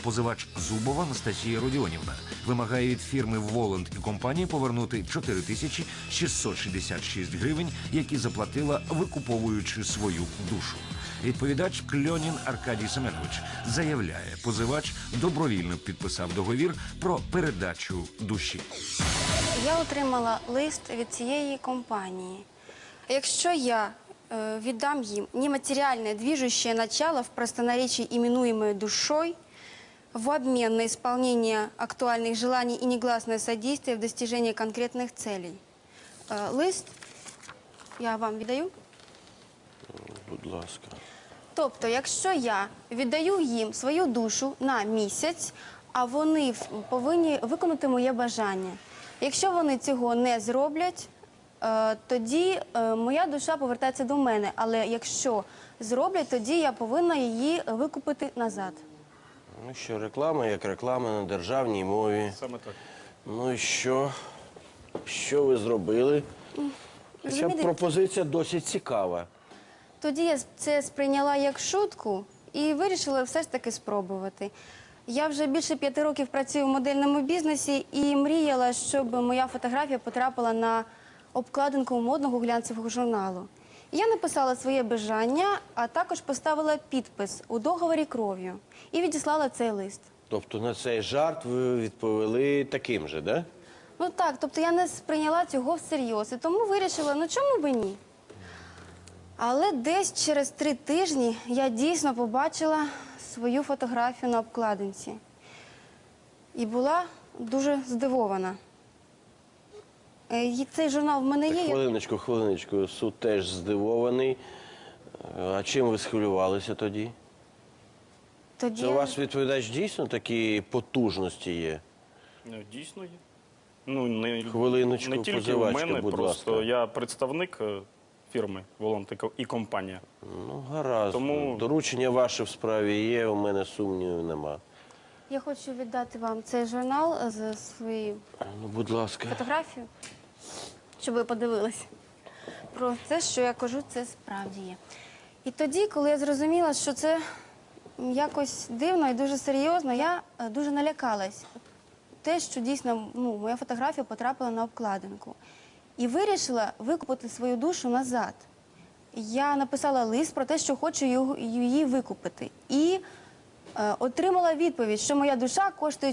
Позивач Зубова Анастасія Родіонівна вимагає від фірми «Воланд» і компанії повернути 4666 гривень, які заплатила, викуповуючи свою душу. Відповідач Кльонін Аркадій Семенович заявляє, позивач добровільно підписав договір про передачу душі. Я отримала лист від цієї компанії. Якщо я віддам им нематериальное движущее начало в простонаречии, именуемое душой, в обмен на исполнение актуальных желаний и негласное содействие в достижении конкретных целей. Лист я вам віддаю. Будь ласка. Тобто, якщо я віддаю їм свою душу на місяць, а вони повинні виконати моє бажання. Якщо вони цього не зроблять, тоді моя душа повертається до мене. Але якщо зроблять, тоді я повинна її викупити назад. Ну що, реклама як реклама на державній мові. Саме так. Ну і що? Що ви зробили? Ця пропозиція досить цікава. Тоді я це сприйняла як шутку і вирішила все ж таки спробувати. Я вже більше 5 років працюю в модельному бізнесі і мріяла, щоб моя фотографія потрапила на обкладинку модного глянцевого журналу. Я написала своє бажання, а також поставила підпис у договорі кров'ю і відіслала цей лист. Тобто на цей жарт ви відповіли таким же, да? Ну так, тобто я не сприйняла цього всерйоз, і тому вирішила, ну чому би ні? Але десь через 3 тижні я дійсно побачила свою фотографію на обкладинці. І була дуже здивована. Цей журнал в мене є. Хвилиночку, суд теж здивований. А чим ви схвилювалися тоді? Це у вас, відповідач, дійсно такі потужності є? Дійсно є. Ну, Хвилиночку, не тільки в позивачка, мене, будь просто ласка. я представник фірми «Воланд» і компанія. Ну, гаразд. Тому- Доручення ваше в справі є, у мене сумнівів нема. Я хочу віддати вам цей журнал з своєю Ну, будь ласка. фотографією, щоб ви подивилися. Про те, що я кажу, це справді є. І тоді, коли я зрозуміла, що це якось дивно і дуже серйозно, я дуже налякалась. Те, що дійсно моя фотографія потрапила на обкладинку. І вирішила викупити свою душу назад. Я написала лист про те, що хочу її викупити. І отримала відповідь, що моя душа коштує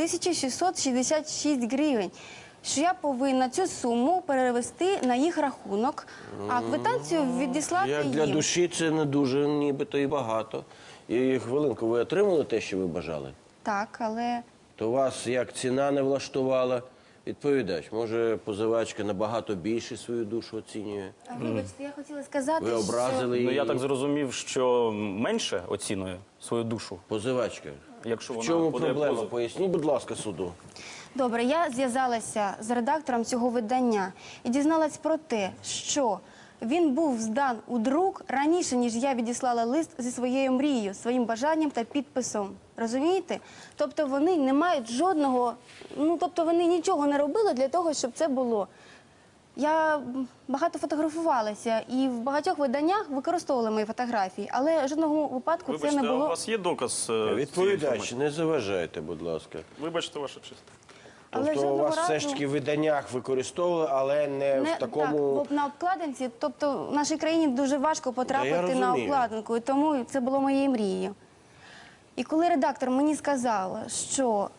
4666 гривень. Що я повинна цю суму перевести на їх рахунок, а квитанцію відіслати Як їм. для душі це не дуже, нібито і багато. І хвилинку, ви отримали те, що ви бажали? Так, але... То вас як ціна не влаштувала? Відповідач, може позивачка набагато більше свою душу оцінює? Вибачте, я хотіла сказати, Ви образили Ну, її? я так зрозумів, що менше оцінує свою душу, Позивачка, якщо в вона чому подає проблема? позов. Поясніть, будь ласка, суду. Добре, я зв'язалася з редактором цього видання і дізналась про те, що він був здан у друк раніше, ніж я відіслала лист зі своєю мрією, своїм бажанням та підписом. Розумієте? Тобто вони не мають жодного, тобто вони нічого не робили для того, щоб це було. Я багато фотографувалася і в багатьох виданнях використовували мої фотографії, але жодного випадку це Вибачте, не а у було. вас є доказ цієї Відповідач, інформації? не заважайте, будь ласка. Вибачте, ваша честь. Але Тобто у жодного вас все ж разу- таки в виданнях використовували, але не в такому... Так, на обкладинці, тобто в нашій країні дуже важко потрапити на розумію. обкладинку, і тому це було моєю мрією. І коли редактор мені сказав, що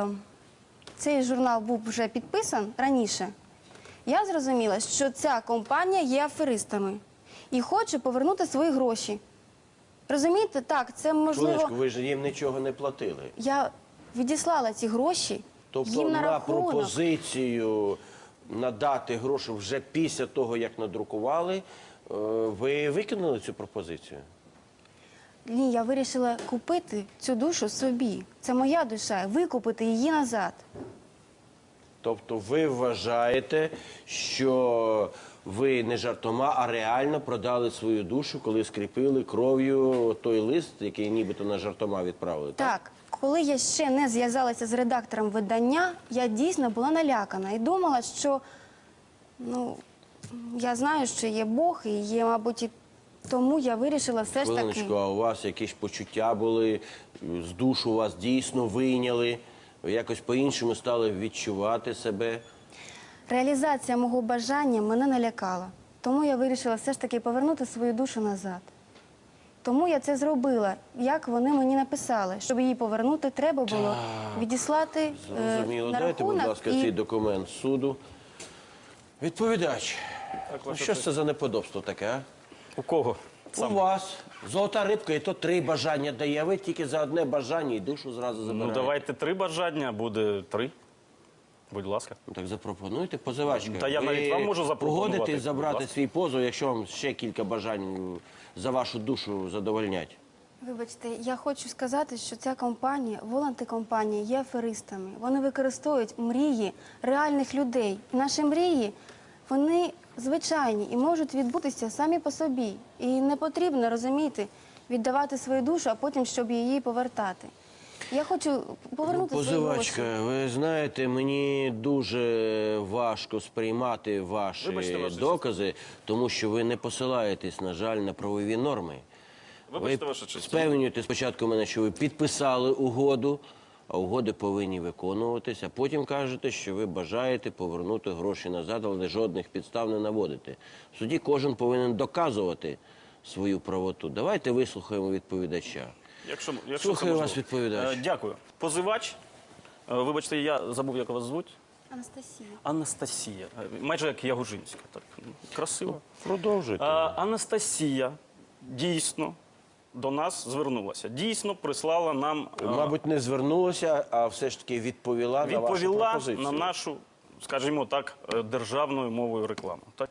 цей журнал був вже підписан раніше, я зрозуміла, що ця компанія є аферистами і хоче повернути свої гроші. Розумієте? Так, це можливо... Хвилиночку, ви ж їм нічого не платили. Я відіслала ці гроші Тобто їм на на рахунок. пропозицію надати гроші вже після того, як надрукували, ви викинули цю пропозицію? Ні, я вирішила купити цю душу собі. Це моя душа, викупити її назад. Тобто ви вважаєте, що ви не жартома, а реально продали свою душу, коли скріпили кров'ю той лист, який нібито на жартома відправили? Так, коли я ще не зв'язалася з редактором видання, я дійсно була налякана і думала, що, я знаю, що є Бог і є, мабуть, і Тому я вирішила все ж таки. Хвилиночку, а у вас якісь почуття були, з душу вас дійсно вийняли, ви якось по-іншому стали відчувати себе? Реалізація мого бажання мене налякала. Тому я вирішила все ж таки повернути свою душу назад. Тому я це зробила, як вони мені написали. Щоб її повернути, треба було відіслати Зрозуміло. на Дайте, будь рахунок. ласка, і- цей документ суду. Відповідач, ну, ваша що ж це за неподобство таке, а? У кого? У вас. Золота рибка, і то 3 бажання дає. Ви тільки за одне бажання і душу зразу забираєте. Ну, давайте 3 бажання, буде 3. Будь ласка. Ну, так запропонуйте, позивачка. Та я навіть вам можу запропонувати, Погодитесь будь забрати ласка. свій позов, якщо вам ще кілька бажань за вашу душу задовольнять. Вибачте, я хочу сказати, що ця компанія, волонти-компанія, є аферистами. Вони використовують мрії реальних людей. Наші мрії, вони звичайні і можуть відбутися самі по собі. І не потрібно, розумієте, віддавати свою душу, а потім, щоб її повертати. Я хочу повернути свої гроші. Позивачка, ви знаєте, мені дуже важко сприймати Вибачте, ваші ваша докази, тому що ви не посилаєтесь, на жаль, на правові норми. Вибачте, Ви ваша честь. спевнюєте спочатку мене, що ви підписали угоду, а угоди повинні виконуватися. Потім кажете, що ви бажаєте повернути гроші назад, але жодних підстав не наводите. В суді кожен повинен доказувати свою правоту. Давайте вислухаємо відповідача. Якщо Слухаю це можливо. вас, відповідач. Дякую. Позивач. Вибачте, я забув, як вас звуть. Анастасія. Анастасія. Майже як Ягужинська. Так. Красиво. Продовжуйте. Анастасія дійсно до нас звернулася. Дійсно прислала нам... Мабуть, не звернулася, а все ж таки відповіла на вашу відповіла пропозицію. на нашу, скажімо так, державною мовою рекламу. Так?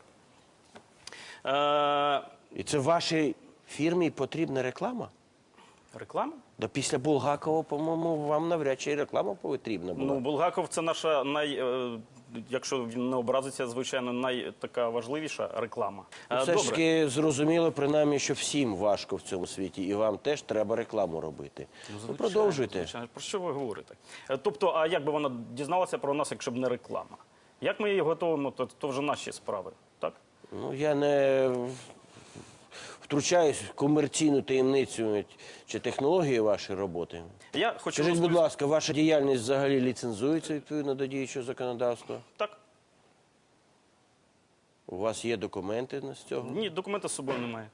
І це вашій фірмі потрібна реклама? Реклама? Да після Булгакова, по-моєму, вам навряд чи і реклама потрібна була. Ну, Булгаков – це наша, якщо він не образиться, звичайно, така важливіша реклама. Все ж таки зрозуміло, принаймні, що всім важко в цьому світі, і вам теж треба рекламу робити. Ну, продовжуйте. Звичайно. Про що ви говорите? Тобто, а як би вона дізналася про нас, якщо б не реклама? Як ми її готуємо, то вже наші справи, так? Ну, я не втручаюсь в комерційну таємницю чи технології вашої роботи. Я хочу Скажіть, будь розповісти- ласка, ваша діяльність взагалі ліцензується відповідно до діючого законодавства? Так. У вас є документи з цього? Ні, документа з собою немає.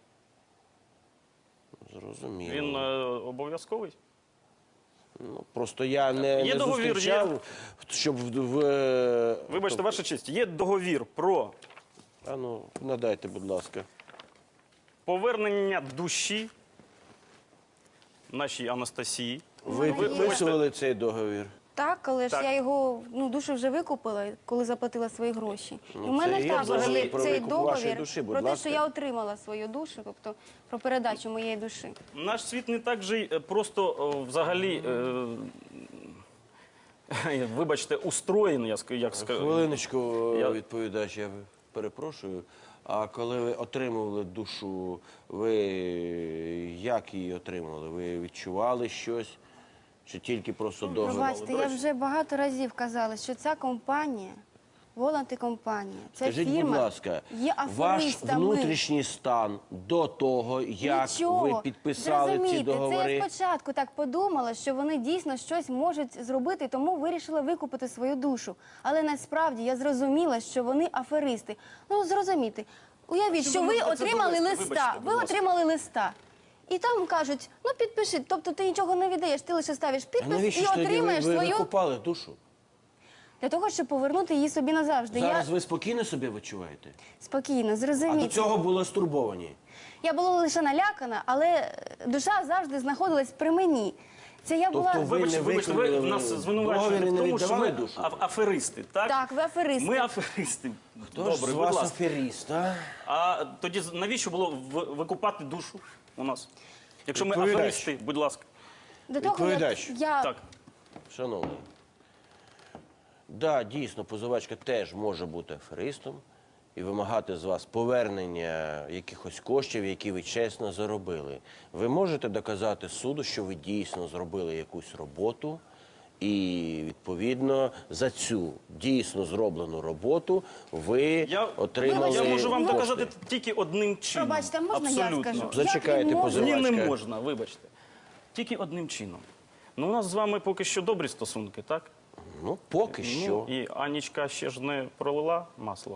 Зрозуміло. Він обов'язковий? Ну, просто я не договір, зустрічав, щоб Вибачте, ваша честь, є договір про А ну, надайте, будь ласка. повернення душі нашій Анастасії. Ви підписували цей договір? Так, але ж Так. я його душу вже викупила, коли заплатила свої гроші. Ну, І в мене це є також договір є про цей викуп вашої договір душі, будь про те, ласка. що я отримала свою душу, тобто про передачу моєї душі. Наш світ не так же й просто взагалі, вибачте, устроєний, як скажу. Хвилиночку, Я- відповідач, я перепрошую. А коли ви отримували душу, ви як її отримували? Ви відчували щось? Чи тільки просто договір? Пробачте, я вже багато разів казала, що ця компанія, волонти-компанія, ця Скажіть, фірма будь ласка, є ваш аферистами. внутрішній стан до того, як Нічого. ви підписали ці Зрозумійте, договори? Це я спочатку так подумала, що вони дійсно щось можуть зробити, тому вирішила викупити свою душу. Але насправді я зрозуміла, що вони аферисти. Ну, зрозумійте, уявіть, що ви ви можете це отримали довести? листа, Вибачте, будь ви ласка. отримали листа. І там кажуть, ну підпиши, тобто ти нічого не віддаєш, ти лише ставиш А підпис навіщо і ж тоді отримаєш ви свою викупали душу? для того, щоб повернути її собі назавжди. Зараз Я ви спокійно себе відчуваєте? спокійно, А до зрозумійте. цього були стурбовані? Я була лише налякана, але душа завжди знаходилась при мені. Це я була... Тобто ви не Вибачте, ви виконали нас звинувачуєте договір і в не тому, що віддавали ми душу? аферисти, так? Так, ви аферисти. Ми аферисти. Хто ж з Добре, будь вас ласка. аферіст, а? А тоді навіщо було викупати душу у нас? Якщо ми Відповідач. аферисти, будь ласка. До того, Відповідач. я Так. Шановний, да, дійсно, позивачка теж може бути аферистом і вимагати з вас повернення якихось коштів, які ви чесно заробили. Ви можете доказати суду, що ви дійсно зробили якусь роботу І, відповідно, за цю дійсно зроблену роботу ви отримали Я можу вам кошти. доказати тільки одним чином. Пробачте, можна я Абсолютно. скажу? Зачекайте, Як він може? Ні, позивачка. не можна, вибачте. Тільки одним чином. Ну, у нас з вами поки що добрі стосунки, так? Ну, поки що. Ну, і Анічка ще ж не пролила масло.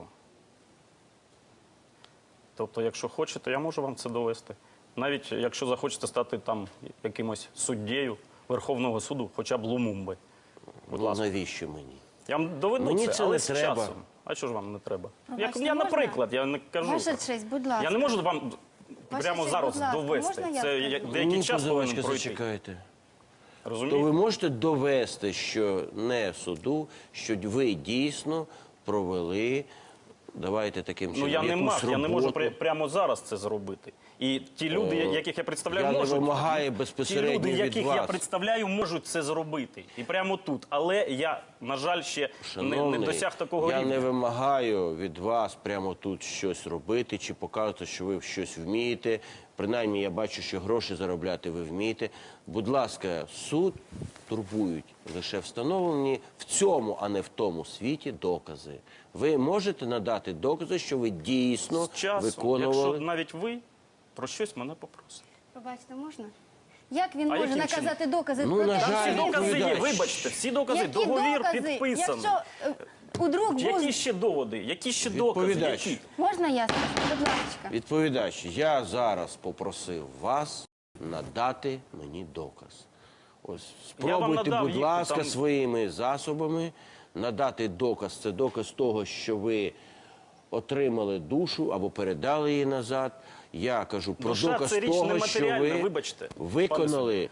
Тобто, якщо хочете, я можу вам це довести. Навіть якщо захочете стати там якимось суддєю Верховного суду, хоча б Лумумби. Будь Ну, ласка. навіщо мені? Я вам доведу Мені це, це але не з треба. часом. А що ж вам не треба? Пробачте, Я, можна? наприклад, я не кажу. Ваша честь, будь ласка. Я не можу вам Ваша прямо честь, зараз будь ласка, довести. можна я Це скажу? деякий Ні, час повинен позивачка, пройти. зачекайте. То Розумієте? ви можете довести, що не суду, що ви дійсно провели, давайте таким чином, Ну я не якусь мав, я не можу роботу. прямо зараз це зробити. І ті люди, яких я представляю, я не можуть. вимагаю Ті безпосередньо люди, від яких я вас. представляю, можуть це зробити. І прямо тут. Але я, на жаль, ще не Шановний, досяг такого я рівня. не вимагаю від вас прямо тут щось робити чи показувати, що ви щось вмієте. Принаймні, я бачу, що гроші заробляти ви вмієте. Будь ласка, суд турбують лише встановлені в цьому, а не в тому світі докази. Ви можете надати докази, що ви дійсно З часом, виконували. якщо навіть ви про щось мене попросите. Пробачте, можна? Як він може яким наказати докази Ну, про на те, жаль, що Всі він... докази є, відповідач. вибачте, всі докази, Які договір докази? підписаний. Якщо у друг був... Які ще доводи? Які ще докази? Відповідач. Які? Можна я скажу? Будь ласка. Відповідач, я зараз попросив вас надати мені доказ. Ось Я вам спробуйте, надав будь їх, ласка, там- своїми засобами надати доказ. Це доказ того, що ви отримали душу або передали її назад. Я кажу про Душа доказ це річ того, що нематеріальна, ви вибачте, виконали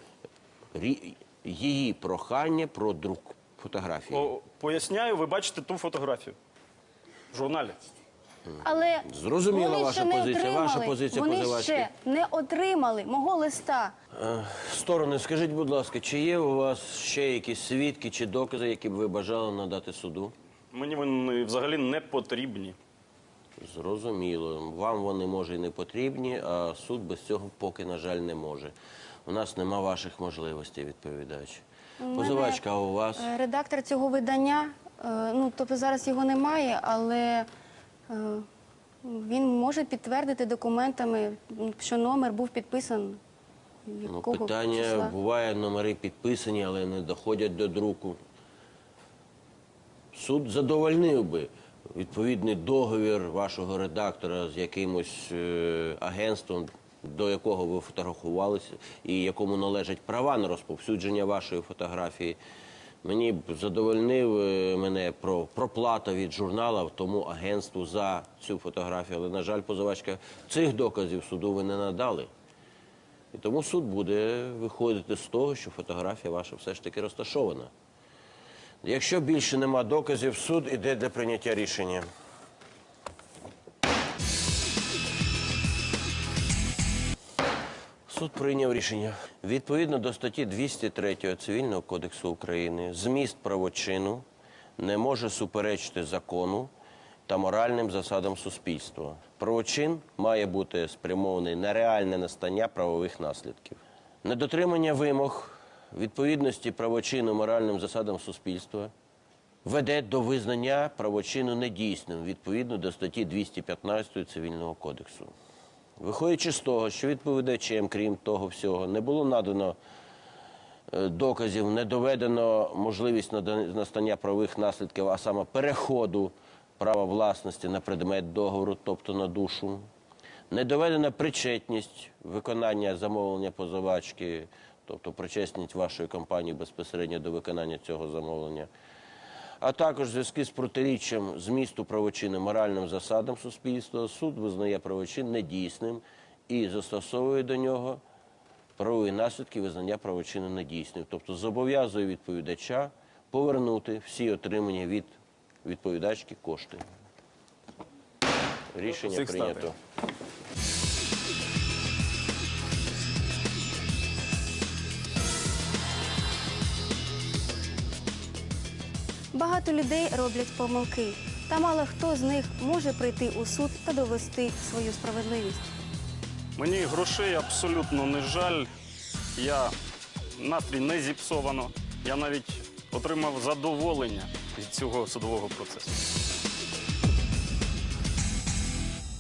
її прохання про друк фотографії. Поясняю, ви бачите ту фотографію в журналі. Але Зрозуміла вони ваша ще не позиція. Ваша отримали. позиція Вони позивачки. ще не отримали мого листа. Сторони, скажіть, будь ласка, чи є у вас ще якісь свідки чи докази, які б ви бажали надати суду? Мені вони взагалі не потрібні. Зрозуміло. Вам вони, може, і не потрібні, а суд без цього поки, на жаль, не може. У нас нема ваших можливостей, відповідач. Позивачка, а у вас? Редактор цього видання, ну, тобто зараз його немає, але він може підтвердити документами, що номер був підписаний. Ну, Якого питання, числа? буває, номери підписані, але не доходять до друку. Суд задовольнив би відповідний договір вашого редактора з якимось агентством, до якого ви фотографувалися і якому належать права на розповсюдження вашої фотографії. Мені б задовольнив мене про проплата від журнала тому агентству за цю фотографію. Але, на жаль, позивачка, цих доказів суду ви не надали. І тому суд буде виходити з того, що фотографія ваша все ж таки розташована. Якщо більше нема доказів, суд іде для прийняття рішення. Суд прийняв рішення. Відповідно до статті 203 Цивільного кодексу України, зміст правочину не може суперечити закону та моральним засадам суспільства. Правочин має бути спрямований на реальне настання правових наслідків. Недотримання вимог відповідності правочину моральним засадам суспільства веде до визнання правочину недійсним відповідно до статті 215 Цивільного кодексу. Виходячи з того, що відповідачем, крім того всього, не було надано доказів, не доведено можливість настання правових наслідків, а саме переходу права власності на предмет договору, тобто на душу, не доведена причетність виконання замовлення позивачки, тобто причетність вашої компанії безпосередньо до виконання цього замовлення, а також в зв'язку з протиріччям змісту правочину моральним засадам суспільства, суд визнає правочин недійсним і застосовує до нього правові наслідки визнання правочину недійсним. Тобто зобов'язує відповідача повернути всі отримані від відповідачки кошти. Рішення Всіх прийнято. ставлю. Багато людей роблять помилки, та мало хто з них може прийти у суд та довести свою справедливість. Мені грошей абсолютно не жаль. Настрій не зіпсовано. Я навіть отримав задоволення від цього судового процесу.